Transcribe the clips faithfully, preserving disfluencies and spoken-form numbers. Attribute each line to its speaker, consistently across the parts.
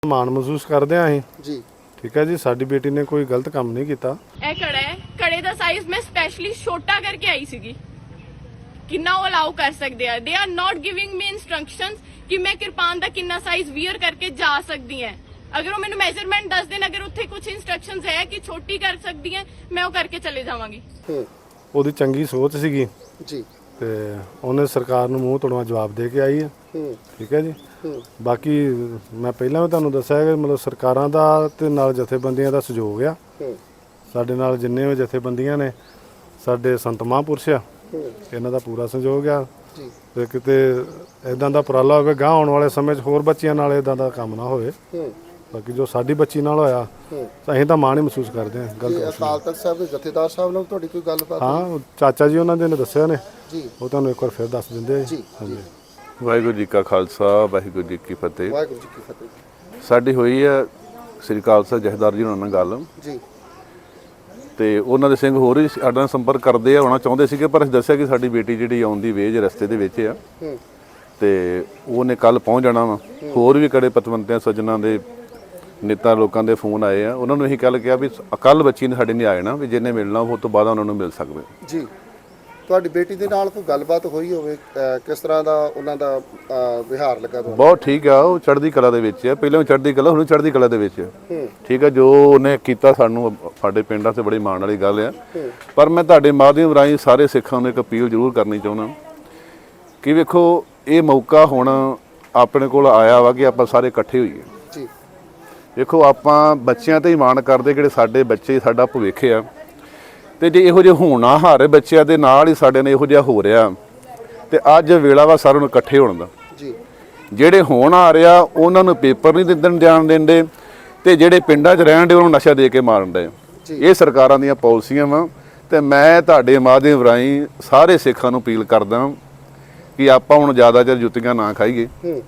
Speaker 1: ਮਾਣ ਮਹਿਸੂਸ ਕਰਦੇ ਆਂ ਅਸੀਂ
Speaker 2: ਜੀ।
Speaker 1: ਠੀਕ ਹੈ ਜੀ, ਸਾਡੀ ਬੇਟੀ ਨੇ ਕੋਈ ਗਲਤ ਕੰਮ ਨਹੀਂ ਕੀਤਾ।
Speaker 3: ਇਹ ਕੜਾ ਹੈ, ਕੜੇ ਦਾ ਸਾਈਜ਼ ਮੈਂ ਸਪੈਸ਼ਲੀ ਛੋਟਾ ਕਰਕੇ ਆਈ ਸੀਗੀ। ਕਿੰਨਾ ਉਹ ਅਲਾਉ ਕਰ ਸਕਦੇ ਆ? They are not giving me instructions ਕਿ ਮੈਂ ਕਿਰਪਾਨ ਦਾ ਕਿੰਨਾ ਸਾਈਜ਼ ਵੀਅਰ ਕਰਕੇ ਜਾ ਸਕਦੀ ਹਾਂ। ਅਗਰ ਉਹ ਮੈਨੂੰ ਮੈਜ਼ਰਮੈਂਟ ਦੱਸ ਦੇਣ, ਅਗਰ ਉੱਥੇ ਕੁਝ ਇਨਸਟਰਕਸ਼ਨਸ ਹੈ ਕਿ ਛੋਟੀ ਕਰ ਸਕਦੀ ਹੈ, ਮੈਂ ਉਹ ਕਰਕੇ ਚਲੇ ਜਾਵਾਂਗੀ।
Speaker 1: ਉਹਦੀ ਚੰਗੀ ਸੋਚ ਸੀਗੀ
Speaker 2: ਜੀ
Speaker 1: ਤੇ ਉਹਨੇ ਸਰਕਾਰ ਨੂੰ ਮੂੰਹ ਤੋੜਵਾ ਜਵਾਬ ਦੇ ਕੇ ਆਈ ਹੈ। ਠੀਕ ਹੈ ਜੀ। ਬਾਕੀ ਮੈਂ ਪਹਿਲਾਂ ਵੀ ਤੁਹਾਨੂੰ ਦੱਸਿਆ ਕਿ ਮਤਲਬ ਸਰਕਾਰਾਂ ਦਾ ਤੇ ਨਾਲ ਜਥੇਬੰਦੀਆਂ ਦਾ ਸਹਿਯੋਗ ਆ। ਸਾਡੇ ਨਾਲ ਜਿੰਨੇ ਵੀ ਜਥੇਬੰਦੀਆਂ ਨੇ, ਸਾਡੇ ਸੰਤ ਮਹਾਂਪੁਰਸ਼ ਆ, ਇਹਨਾਂ ਦਾ ਪੂਰਾ ਸਹਿਯੋਗ ਆ। ਤੇ ਕਿਤੇ ਇਦਾਂ ਦਾ ਉਪਰਾਲਾ ਹੋਵੇ ਗਾਂ ਆਉਣ ਵਾਲੇ ਸਮੇਂ 'ਚ ਹੋਰ ਬੱਚਿਆਂ ਨਾਲ ਇਦਾਂ ਦਾ ਕੰਮ ਨਾ ਹੋਵੇ। ਬਾਕੀ ਜੋ ਸਾਡੀ ਬੱਚੀ ਨਾਲ ਹੋਇਆ ਅਸੀਂ ਤਾਂ ਮਾਣ ਹੀ ਮਹਿਸੂਸ ਕਰਦੇ ਹਾਂ। ਗਲਤ
Speaker 2: ਅਕਾਲ ਤਖਤ ਸਾਹਿਬ ਦੇ ਜਥੇਦਾਰ ਸਾਹਿਬ ਨਾਲ ਤੁਹਾਡੀ ਕੋਈ ਗੱਲਬਾਤ?
Speaker 1: ਹਾਂ, ਚਾਚਾ ਜੀ ਉਹਨਾਂ ਦੇ ਨੇ ਦੱਸਿਆ ਨੇ
Speaker 2: ਜੀ,
Speaker 1: ਉਹ ਤੁਹਾਨੂੰ ਇੱਕ ਵਾਰ ਫਿਰ ਦੱਸ ਦਿੰਦੇ ਜੀ। ਹਾਂਜੀ।
Speaker 4: ਵਾਹਿਗੁਰੂ ਜੀ ਕਾ ਖਾਲਸਾ, ਵਾਹਿਗੁਰੂ ਜੀ ਕੀ ਫਤਿਹ।
Speaker 2: ਵਾਹਿਗੁਰੂ ਜੀ ਕੀ ਫਤਿਹ।
Speaker 4: ਸਾਡੀ ਹੋਈ ਹੈ ਸ੍ਰੀ ਖਾਲਸਾ ਜਥੇਦਾਰ ਜੀ ਉਹਨਾਂ ਨਾਲ ਗੱਲ ਜੀ, ਤੇ ਉਹਨਾਂ ਦੇ ਸਿੰਘ ਹੋਰ ਵੀ ਸਾਡੇ ਨਾਲ ਸੰਪਰਕ ਕਰਦੇ ਆ, ਆਉਣਾ ਚਾਹੁੰਦੇ ਸੀਗੇ, ਪਰ ਅਸੀਂ ਦੱਸਿਆ ਕਿ ਸਾਡੀ ਬੇਟੀ ਜਿਹੜੀ ਆਉਣ ਦੀ ਵੇਜ ਰਸਤੇ ਦੇ ਵਿੱਚ ਆ ਤੇ ਉਹਨੇ ਕੱਲ ਪਹੁੰਚ ਜਾਣਾ ਵਾ। ਹੋਰ ਵੀ ਕੜੇ ਪਤਵੰਤਿਆਂ ਸੱਜਣਾ ਦੇ ਨੇਤਾ ਲੋਕਾਂ ਦੇ ਫੋਨ ਆਏ ਆ, ਉਹਨਾਂ ਨੂੰ ਇਹੀ ਗੱਲ ਕਿਹਾ ਵੀ ਕੱਲ ਬੱਚੀ ਨੇ ਸਾਡੇ ਨੇ ਆ ਜਾਣਾ, ਵੀ ਜਿਹਨੇ ਮਿਲਣਾ ਉਹ ਤੋਂ ਬਾਅਦ ਉਹਨਾਂ ਨੂੰ ਮਿਲ ਸਕਦੇ
Speaker 2: ਜੀ। ਤੁਹਾਡੀ ਬੇਟੀ ਦੇ ਨਾਲ ਕੋਈ ਗੱਲਬਾਤ ਹੋਈ ਹੋਵੇ? ਕਿਸ ਤਰ੍ਹਾਂ ਦਾ ਉਹਨਾਂ ਦਾ ਵਿਹਾਰ ਲੱਗਾ ਤੁਹਾਨੂੰ?
Speaker 4: ਬਹੁਤ ਠੀਕ ਆ, ਉਹ ਚੜ੍ਹਦੀ ਕਲਾ ਦੇ ਵਿੱਚ ਆ। ਪਹਿਲਾਂ ਚੜ੍ਹਦੀ ਕਲਾ, ਹੁਣ ਚੜ੍ਹਦੀ ਕਲਾ ਦੇ ਵਿੱਚ ਆ। ਠੀਕ ਆ, ਜੋ ਉਹਨੇ ਕੀਤਾ ਸਾਨੂੰ ਸਾਡੇ ਪਿੰਡਾਂ 'ਤੇ ਬੜੀ ਮਾਣ ਵਾਲੀ ਗੱਲ ਆ। ਪਰ ਮੈਂ ਤੁਹਾਡੇ ਮਾਧਿਅਮ ਰਾਹੀਂ ਸਾਰੇ ਸਿੱਖਾਂ ਨੂੰ ਇੱਕ ਅਪੀਲ ਜ਼ਰੂਰ ਕਰਨੀ ਚਾਹੁੰਦਾ ਕਿ ਵੇਖੋ, ਇਹ ਮੌਕਾ ਹੁਣ ਆਪਣੇ ਕੋਲ ਆਇਆ ਵਾ ਕਿ ਆਪਾਂ ਸਾਰੇ ਇਕੱਠੇ ਹੋਈਏ ਜੀ। ਵੇਖੋ, ਆਪਾਂ ਬੱਚਿਆਂ 'ਤੇ ਹੀ ਮਾਣ ਕਰਦੇ, ਜਿਹੜੇ ਸਾਡੇ ਬੱਚੇ ਸਾਡਾ ਭਵਿੱਖ ਆ। ਤੇ ਜੇ ਇਹੋ ਜਿਹੇ ਹੋਣਹਾਰ ਬੱਚਿਆਂ ਦੇ ਨਾਲ ਹੀ ਸਾਡੇ ਨੇ ਇਹੋ ਜਿਹਾ ਹੋ ਰਿਹਾ, ਤੇ ਅੱਜ ਵੇਲਾ ਵਾ ਸਾਰਿਆਂ ਨੂੰ ਇਕੱਠੇ ਹੋਣ ਦਾ ਜੀ। ਜਿਹੜੇ ਹੋਣਹਾਰ ਆ ਉਹਨਾਂ ਨੂੰ ਪੇਪਰ ਨਹੀਂ ਦਿੰਦੇ ਜਾਣ ਦਿੰਦੇ, ਤੇ ਜਿਹੜੇ ਪਿੰਡਾਂ 'ਚ ਰਹਿਣ ਦੇ ਉਹਨਾਂ ਨੂੰ ਨਸ਼ਾ ਦੇ ਕੇ ਮਾਰਨ ਦੇ। ਇਹ ਸਰਕਾਰਾਂ ਦੀਆਂ ਪਾਲਿਸੀਆਂ ਵਾ। ਤੇ ਮੈਂ ਤੁਹਾਡੇ ਮਾਧਿਅਮ ਰਾਹੀਂ ਸਾਰੇ ਸਿੱਖਾਂ ਨੂੰ ਅਪੀਲ ਕਰਦਾ ਕਿ ਆਪਾਂ ਹੁਣ ਜ਼ਿਆਦਾ ਚਿਰ ਜੁੱਤੀਆਂ ਨਾ ਖਾਈਏ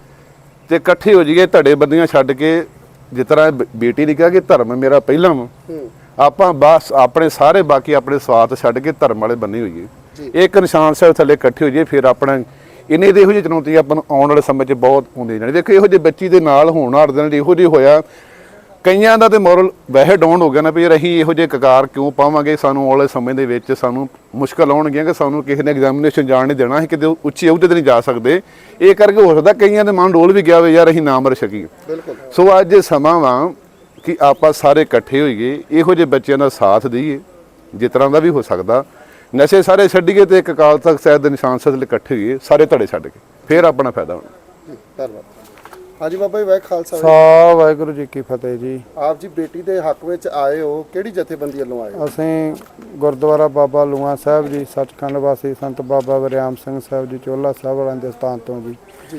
Speaker 4: ਤੇ ਇਕੱਠੇ ਹੋ ਜਾਈਏ, ਧੜੇ ਬੰਦੀਆਂ ਛੱਡ ਕੇ। ਜਿਸ ਤਰ੍ਹਾਂ ਬੇਟੀ ਨੇ ਕਿਹਾ ਕਿ ਧਰਮ ਮੇਰਾ ਪਹਿਲਾਂ ਵਾ, ਆਪਾਂ ਬਸ ਆਪਣੇ ਸਾਰੇ ਬਾਕੀ ਆਪਣੇ ਸਵਾਰਥ ਛੱਡ ਕੇ ਧਰਮ ਵਾਲੇ ਬੰਨੇ ਹੋਈਏ। ਇੱਕ ਨਿਸ਼ਾਨ ਸਾਹਿਬ ਥੱਲੇ ਇਕੱਠੇ ਹੋ ਜਾਈਏ, ਫਿਰ ਆਪਣਾ ਇਹਨੇ ਦੇ ਇਹੋ ਜਿਹੀ ਚੁਣੌਤੀ ਆਪਾਂ ਨੂੰ ਆਉਣ ਵਾਲੇ ਸਮੇਂ 'ਚ ਬਹੁਤ ਹੁੰਦੀ ਜਾਣੀ। ਦੇਖੋ, ਇਹੋ ਜਿਹੇ ਬੱਚੀ ਦੇ ਨਾਲ ਹੋਣ ਹਰ ਦਿਨ ਇਹੋ ਜਿਹੀ ਹੋਇਆ, ਕਈਆਂ ਦਾ ਤੇ ਮੋਰਲ ਵੈਸੇ ਡਾਊਨ ਹੋ ਗਿਆ ਨਾ ਵੀ ਅਸੀਂ ਇਹੋ ਜਿਹੇ ਕਕਾਰ ਕਿਉਂ ਪਾਵਾਂਗੇ। ਸਾਨੂੰ ਆਉਣ ਵਾਲੇ ਸਮੇਂ ਦੇ ਵਿੱਚ ਸਾਨੂੰ ਮੁਸ਼ਕਲ ਆਉਣਗੀਆਂ ਕਿ ਸਾਨੂੰ ਕਿਸੇ ਨੇ ਐਗਜ਼ਾਮੀਨੇਸ਼ਨ ਜਾਣ ਨਹੀਂ ਦੇਣਾ, ਅਸੀਂ ਕਿਤੇ ਉੱਚੀ ਅਹੁਦੇ 'ਤੇ ਨਹੀਂ ਜਾ ਸਕਦੇ। ਇਹ ਕਰਕੇ ਹੋ ਸਕਦਾ ਕਈਆਂ ਦੇ ਮਨ ਡੋਲ ਵੀ ਗਿਆ ਹੋਵੇ, ਯਾਰ ਅਸੀਂ ਨਾ ਮਰ ਸਕੀਏ। ਸੋ ਅੱਜ ਸਮਾਂ ਵਾ ਕਿ ਆਪਾਂ ਸਾਰੇ ਇਕੱਠੇ ਹੋਈਏ, ਇਹੋ ਜਿਹੇ ਬੱਚਿਆਂ ਦਾ ਸਾਥ ਦਈਏ ਜਿਸ ਤਰ੍ਹਾਂ ਦਾ ਵੀ ਹੋ ਸਕਦਾ। ਨਸ਼ੇ ਸਾਰੇ ਛੱਡੀਏ ਤੇ ਇੱਕ ਅਕਾਲ ਤਖਤ ਸਾਹਿਬ ਦੇ ਨਿਸ਼ਾਨ ਸਾਹਿਬ ਲਈ ਇਕੱਠੇ ਹੋਈਏ, ਸਾਰੇ ਧੜੇ ਛੱਡ ਕੇ, ਫਿਰ ਆਪਣਾ ਫਾਇਦਾ ਹੋਣਾ।
Speaker 2: ਧੰਨਵਾਦ। ਹਾਂਜੀ ਬਾਬਾ ਜੀ, ਵਾਹਿਗੁਰੂ ਖਾਲਸਾ
Speaker 5: ਸਾ ਵਾਹਿਗੁਰੂ ਜੀ ਕੀ ਫਤਿਹ ਜੀ।
Speaker 2: ਆਪ ਜੀ ਬੇਟੀ ਦੇ ਹੱਕ ਵਿੱਚ ਆਏ ਹੋ, ਕਿਹੜੀ ਜਥੇਬੰਦੀ ਵੱਲੋਂ ਆਏ ਹੋ?
Speaker 5: ਅਸੀਂ ਗੁਰਦੁਆਰਾ ਬਾਬਾ ਲੂਆਂ ਸਾਹਿਬ ਜੀ, ਸੱਚਖੰਡ ਵਾਸੀ ਸੰਤ ਬਾਬਾ ਵਰਿਆਮ ਸਿੰਘ ਸਾਹਿਬ ਜੀ ਚੋਲਾ ਸਾਹਿਬ ਵਾਲਿਆਂ ਦੇ ਸਥਾਨ ਤੋਂ ਜੀ।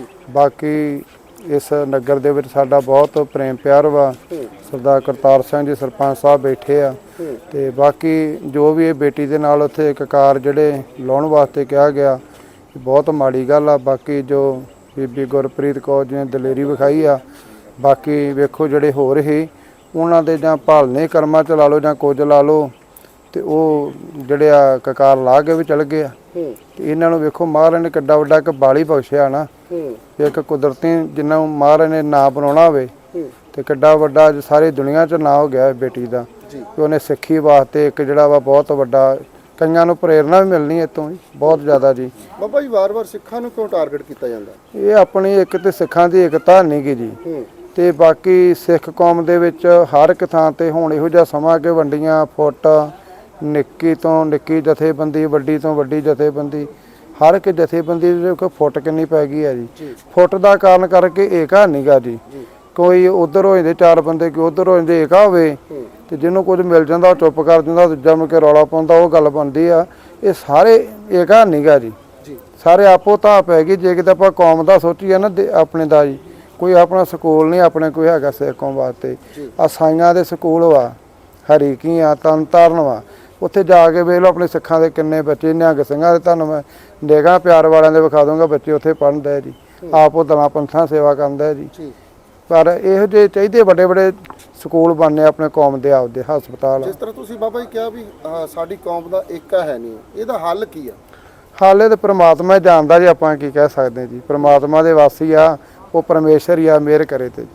Speaker 5: ਬਾਕੀ ਇਸ ਨਗਰ ਦੇ ਵਿੱਚ ਸਾਡਾ ਬਹੁਤ ਪ੍ਰੇਮ ਪਿਆਰ ਵਾ। ਸਰਦਾਰ ਕਰਤਾਰ ਸਿੰਘ ਜੀ ਸਰਪੰਚ ਸਾਹਿਬ ਬੈਠੇ ਆ, ਤੇ ਬਾਕੀ ਜੋ ਵੀ ਇਹ ਬੇਟੀ ਦੇ ਨਾਲ ਉੱਥੇ ਕਕਾਰ ਜਿਹੜੇ ਲਾਉਣ ਵਾਸਤੇ ਕਿਹਾ ਗਿਆ, ਬਹੁਤ ਮਾੜੀ ਗੱਲ ਆ। ਬਾਕੀ ਜੋ ਬੀਬੀ ਗੁਰਪ੍ਰੀਤ ਕੌਰ ਜੀ ਨੇ ਦਲੇਰੀ ਵਿਖਾਈ ਆ, ਬਾਕੀ ਵੇਖੋ ਜਿਹੜੇ ਹੋਰ ਹੀ ਉਹਨਾਂ ਦੇ ਜਾਂ ਭਾਲਨੇ ਕਰਮਾਂ 'ਚ ਲਾ ਲਓ ਜਾਂ ਕੁਝ ਲਾ ਲਓ, ਤੇ ਉਹ ਜਿਹੜੇ ਆ ਕਕਾਰ ਲਾ ਕੇ ਵੀ ਚਲ ਗਏ ਆ। ਤੇ ਇਹਨਾਂ ਨੂੰ ਵੇਖੋ, ਮਹਾਰਾਜ ਨੇ ਕਿੱਡਾ ਵੱਡਾ ਇੱਕ ਬਾਲੀ ਬਖਸ਼ਿਆ ਨਾ, ਇੱਕ ਕੁਦਰਤੀ ਜਿੰਨਾ ਮਹਾਰਾਜ ਨੇ ਨਾਂ ਬਣਾਉਣਾ ਹੋਵੇ, ਤੇ ਕਿੱਡਾ ਵੱਡਾ ਸਾਰੀ ਦੁਨੀਆ 'ਚ ਨਾਂ ਹੋ ਗਿਆ ਬੇਟੀ ਦਾ। ਕਿ ਉਹਨੇ ਸਿੱਖੀ ਵਾਸਤੇ ਇੱਕ ਜਿਹੜਾ ਵਾ ਬਹੁਤ ਵੱਡਾ, ਕਈਆਂ ਨੂੰ ਪ੍ਰੇਰਨਾ ਵੀ ਮਿਲਣੀ ਇੱਥੋਂ ਜੀ, ਬਹੁਤ ਜ਼ਿਆਦਾ ਜੀ।
Speaker 2: ਬਾਬਾ ਜੀ, ਵਾਰ-ਵਾਰ ਸਿੱਖਾਂ ਨੂੰ ਕਿਉਂ ਟਾਰਗੇਟ ਕੀਤਾ ਜਾਂਦਾ? ਇਹ
Speaker 5: ਆਪਣੀ ਇੱਕ ਤੇ ਸਿੱਖਾਂ ਦੀ ਏਕਤਾ ਨਹੀਂ ਗੀ ਜੀ, ਤੇ ਬਾਕੀ ਸਿੱਖ ਕੌਮ ਦੇ ਵਿੱਚ ਹਰ ਇੱਕ ਥਾਂ ਤੇ ਹੁਣ ਇਹੋ ਜਿਹਾ ਸਮਾਂ ਕਿ ਵੰਡੀਆਂ ਫੁੱਟ, ਨਿੱਕੀ ਤੋਂ ਨਿੱਕੀ ਜਥੇਬੰਦੀ, ਵੱਡੀ ਤੋਂ ਵੱਡੀ ਜਥੇਬੰਦੀ, ਹਰ ਇੱਕ ਜਥੇਬੰਦੀ ਦੇ ਕੋਈ ਫੁੱਟ ਕਿੰਨੀ ਪੈ ਗਈ ਹੈ ਜੀ। ਫੁੱਟ ਦਾ ਕਾਰਨ ਕਰਕੇ ਏਕਾ ਨਹੀਂ ਗਾ ਜੀ। ਕੋਈ ਉਧਰ ਹੋ ਜਾਂਦੇ ਚਾਰ ਬੰਦੇ, ਕੋਈ ਉਧਰ ਹੋ ਜਾਂਦੇ, ਏਕਾ ਹੋਵੇ ਤੇ ਜਿਹਨੂੰ ਕੁਝ ਮਿਲ ਜਾਂਦਾ ਉਹ ਚੁੱਪ ਕਰ ਜਾਂਦਾ, ਦੂਜਾ ਮੁੜ ਕੇ ਰੌਲਾ ਪਾਉਂਦਾ, ਉਹ ਗੱਲ ਬਣਦੀ ਆ। ਇਹ ਸਾਰੇ ਏਕਾ ਨਹੀਂ ਗਾ ਜੀ, ਸਾਰੇ ਆਪੋ ਤਾਂ ਪੈ ਗਈ। ਜੇ ਕਿਤੇ ਆਪਾਂ ਕੌਮ ਦਾ ਸੋਚੀਏ ਨਾ, ਆਪਣੇ ਦਾ ਜੀ, ਕੋਈ ਆਪਣਾ ਸਕੂਲ ਨਹੀਂ ਆਪਣੇ ਕੋਈ ਹੈਗਾ ਸਿੱਖ ਕੌਮ ਵਾਸਤੇ। ਆ ਸਾਈਆਂ ਦੇ ਸਕੂਲ ਵਾ, ਹਰੀਕੀ ਆ, ਤਰਨ ਤਾਰਨ ਵਾ, ਉੱਥੇ ਜਾ ਕੇ ਵੇਖ ਲਓ ਆਪਣੇ ਸਿੱਖਾਂ ਦੇ ਕਿੰਨੇ ਬੱਚੇ। ਨਿਹੰਗ ਸਿੰਘਾਂ ਦੇ ਤੁਹਾਨੂੰ ਮੈਂ ਨਿਗਾਹ ਪਿਆਰ ਵਾਲਿਆਂ ਦੇ ਵਿਖਾ ਦੂੰਗਾ, ਬੱਚੇ ਉੱਥੇ ਪੜ੍ਹਦੇ ਜੀ, ਆਪ ਉਹ ਦਲਾਂ ਪੰਥਾਂ ਸੇਵਾ ਕਰਦੇ ਜੀ। ਪਰ ਇਹੋ ਜਿਹੇ ਚਾਹੀਦੇ ਵੱਡੇ ਵੱਡੇ ਸਕੂਲ ਬਣਨੇ ਆਪਣੇ ਕੌਮ ਦੇ, ਆਪਦੇ ਹਸਪਤਾਲ।
Speaker 2: ਜਿਸ ਤਰ੍ਹਾਂ ਤੁਸੀਂ ਬਾਬਾ ਜੀ ਕਿਹਾ ਵੀ ਸਾਡੀ ਕੌਮ ਦਾ ਏਕਾ ਹੈ ਨਹੀਂ, ਇਹਦਾ ਹੱਲ ਕੀ ਆ?
Speaker 5: ਹਾਲੇ ਤਾਂ ਪ੍ਰਮਾਤਮਾ ਜਾਣਦਾ ਜੀ, ਆਪਾਂ ਕੀ ਕਹਿ ਸਕਦੇ ਜੀ। ਪ੍ਰਮਾਤਮਾ ਦੇ ਵਾਸੀ ਆ, ਉਹ ਪਰਮੇਸ਼ਰ ਹੀ ਆ, ਮਿਹਰ ਕਰੇ ਤੇ।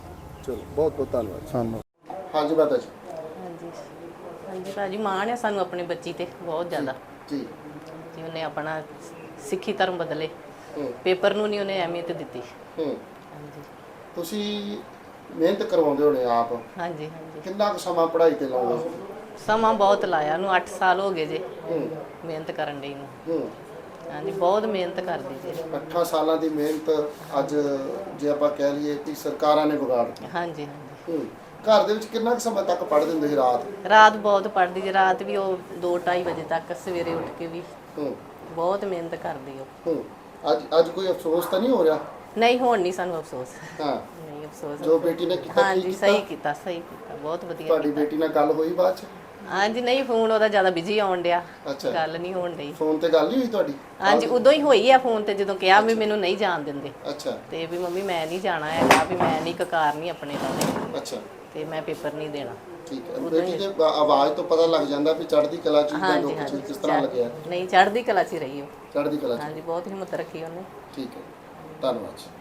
Speaker 2: ਚਲੋ ਬਹੁਤ ਬਹੁਤ ਧੰਨਵਾਦ
Speaker 5: ਸਾਨੂੰ
Speaker 2: ਹਾਂਜੀ ਮਾਤਾ ਜੀ
Speaker 6: ਹਾਂਜੀ ਹਾਂਜੀ ਭਾਜੀ ਮਾਣ ਹੈ ਸਾਨੂੰ ਆਪਣੀ ਬੱਚੀ ਤੇ ਬਹੁਤ ਜ਼ਿਆਦਾ
Speaker 2: ਜੀ
Speaker 6: ਜੀ ਉਹਨੇ ਆਪਣਾ ਸਿੱਖੀ ਧਰਮ ਬਦਲੇ
Speaker 2: ਹੂੰ
Speaker 6: ਪੇਪਰ ਨੂੰ ਨਹੀਂ ਉਹਨੇ ਅਹਿਮੀਅਤ ਦਿੱਤੀ
Speaker 2: ਹੂੰ
Speaker 6: ਹਾਂਜੀ
Speaker 2: ਤੁਸੀਂ ਮਿਹਨਤ ਕਰਵਾਉਂਦੇ ਹੋਣੇ ਆਪ
Speaker 6: ਹਾਂਜੀ ਹਾਂਜੀ
Speaker 2: ਕਿੰਨਾ ਕੁ ਸਮਾਂ ਪੜ੍ਹਾਈ ਤੇ ਲਾਉਂਦੇ
Speaker 6: ਸਮਾਂ ਬਹੁਤ ਲਾਇਆ ਉਹਨੂੰ ਅੱਠ ਸਾਲ ਹੋ ਗਏ ਜੇ
Speaker 2: ਹੂੰ
Speaker 6: ਮਿਹਨਤ ਕਰਨ ਲਈ ਨੂੰ
Speaker 2: ਹੂੰ
Speaker 6: ਹਾਂਜੀ ਬਹੁਤ ਮਿਹਨਤ ਕਰਦੀ ਜੇ
Speaker 2: ਅੱਠਾਂ ਸਾਲਾਂ ਦੀ ਮਿਹਨਤ ਅੱਜ ਜੇ ਆਪਾਂ ਕਹਿ ਲਈਏ ਕਿ ਸਰਕਾਰਾਂ ਨੇ ਵਿਗਾੜ ਦਿੱਤੀ।
Speaker 6: ਹਾਂਜੀ ਹਾਂਜੀ
Speaker 2: ਹੂੰ ਘਰ ਦੇ ਵਿੱਚ ਕਿੰਨਾ ਕੁ ਸਮਾਂ ਤੱਕ ਪੜ੍ਹਦੇ ਹੁੰਦੇ ਸੀ ਰਾਤ
Speaker 6: ਰਾਤ ਬਹੁਤ ਪੜ੍ਹਦੀ ਜੇ ਰਾਤ ਵੀ ਉਹ ਦੋ ਢਾਈ ਵਜੇ ਤੱਕ ਸਵੇਰੇ ਉੱਠ ਕੇ ਵੀ
Speaker 2: ਹੂੰ
Speaker 6: ਬਹੁਤ ਮਿਹਨਤ ਕਰਦੀ ਉਹ
Speaker 2: ਹੂੰ ਅੱਜ ਅੱਜ ਕੋਈ ਅਫਸੋਸ ਤਾਂ ਨਹੀਂ ਹੋ ਰਿਹਾ
Speaker 6: ਨਹੀਂ ਹੁਣ ਨਹੀਂ ਸਾਨੂੰ ਅਫਸੋਸ
Speaker 2: ਹਾਂ
Speaker 6: ਨਹੀਂ ਅਫਸੋਸ
Speaker 2: ਜੋ ਬੇਟੀ ਨੇ ਕੀਤਾ ਕੀ
Speaker 6: ਹਾਂਜੀ
Speaker 2: ਕੀਤਾ?
Speaker 6: ਸਹੀ ਕੀਤਾ ਸਹੀ ਕੀਤਾ ਬਹੁਤ ਵਧੀਆ
Speaker 2: ਤੁਹਾਡੀ ਬੇਟੀ ਨਾਲ ਗੱਲ ਹੋਈ ਬਾਅਦ ਚ
Speaker 6: ਹਾਂਜੀ ਨਹੀਂ ਫੋਨ ਉਹਦਾ ਜ਼ਿਆਦਾ ਬਿਜੀ ਆਉਣ ਡਿਆ
Speaker 2: ਅੱਛਾ
Speaker 6: ਗੱਲ ਨਹੀਂ ਹੋਣ ਡਈ
Speaker 2: ਫੋਨ ਤੇ ਗੱਲ ਨਹੀਂ ਹੋਈ ਤੁਹਾਡੀ
Speaker 6: ਹਾਂਜੀ ਉਦੋਂ ਹੀ ਹੋਈ ਆ ਫੋਨ ਤੇ ਜਦੋਂ ਕਿਹਾ ਵੀ ਮੈਨੂੰ ਨਹੀਂ ਜਾਣ ਦਿੰਦੇ
Speaker 2: ਅੱਛਾ
Speaker 6: ਤੇ ਵੀ ਮੰਮੀ ਮੈਂ ਨਹੀਂ ਜਾਣਾ ਹੈਗਾ ਵੀ ਮੈਂ ਨਹੀਂ ਕਕਾਰ ਨਹੀਂ ਆਪਣੇ ਨਾਲ
Speaker 2: ਅੱਛਾ
Speaker 6: ਤੇ ਮੈਂ ਪੇਪਰ ਨਹੀਂ ਦੇਣਾ
Speaker 2: ਠੀਕ ਹੈ ਬੇਟੀ ਦੇ ਆ- ਆਵਾਜ਼ ਤੋਂ ਪਤਾ ਲੱਗ ਜਾਂਦਾ ਵੀ ਚੜ੍ਹਦੀ ਕਲਾ ਚ ਜਾਂ
Speaker 6: ਹਾਂਜੀ
Speaker 2: ਦੁੱਖ ਚ
Speaker 6: ਹਾਂਜੀ
Speaker 2: ਕਿਸ ਤਰ੍ਹਾਂ ਲੱਗਿਆ
Speaker 6: ਨਹੀਂ ਚੜ੍ਹਦੀ ਕਲਾ 'ਚ ਹੀ ਰਹੀ ਉਹ
Speaker 2: ਚੜ੍ਹਦੀ ਕਲਾ ਚ
Speaker 6: ਹਾਂਜੀ ਬਹੁਤ ਹਿੰਮਤ ਰੱਖੀ ਉਹਨੇ
Speaker 2: ਠੀਕ ਹੈ ਧੰਨਵਾਦ ਜੀ